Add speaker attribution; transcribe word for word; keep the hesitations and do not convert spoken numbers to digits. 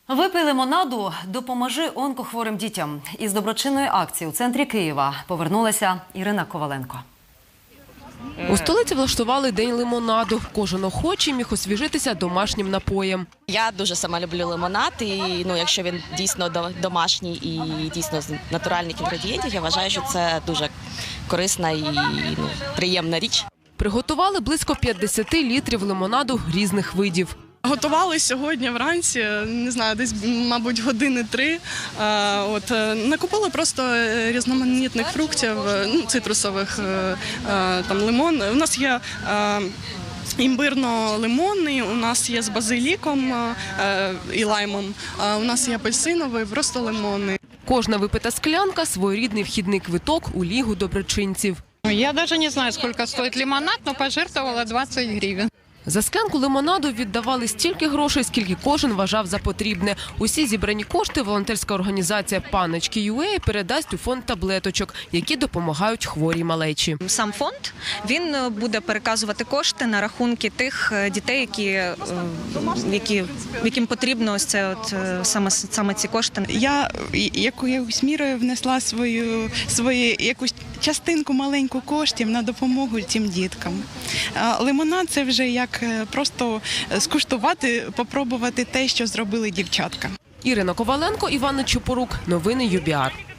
Speaker 1: Випий лимонаду, допоможи онкохворим дітям. Із доброчинної акції у центрі Києва повернулася Ірина Коваленко.
Speaker 2: У столиці влаштували день лимонаду. Кожен охочий міг освіжитися домашнім напоєм.
Speaker 3: Я дуже сама люблю лимонад, і ну, якщо він дійсно домашній і дійсно з натуральних інгредієнтів, я вважаю, що це дуже корисна і ну, приємна річ.
Speaker 2: Приготували близько п'ятдесят літрів лимонаду різних видів.
Speaker 4: Готували сьогодні вранці, не знаю, десь, мабуть, години три. От, накупили просто різноманітних фруктів, ну, цитрусових, там, лимон. У нас є імбирно-лимонний, у нас є з базиліком і лаймом, у нас є апельсиновий, просто лимонний.
Speaker 2: Кожна випита склянка – своєрідний вхідний квиток у Лігу доброчинців.
Speaker 5: Я даже не знаю, сколько стоит лимонад, но пожертвовала двадцать гривен.
Speaker 2: За склянку лимонаду віддавали стільки грошей, скільки кожен вважав за потрібне. Усі зібрані кошти волонтерська організація «Паночки.ua» передасть у фонд таблеточок, які допомагають хворій малечі.
Speaker 6: Сам фонд, він буде переказувати кошти на рахунки тих дітей, які, які, яким потрібно ось це от, саме, саме ці кошти.
Speaker 7: Я якоюсь мірою внесла свою, свою якусь частинку маленьку коштів на допомогу цим діткам. Лимонад – це вже як просто скуштувати, попробувати те, що зробили дівчатка.
Speaker 2: Ірина Коваленко, Іван Чупорук. Новини ю бі ар.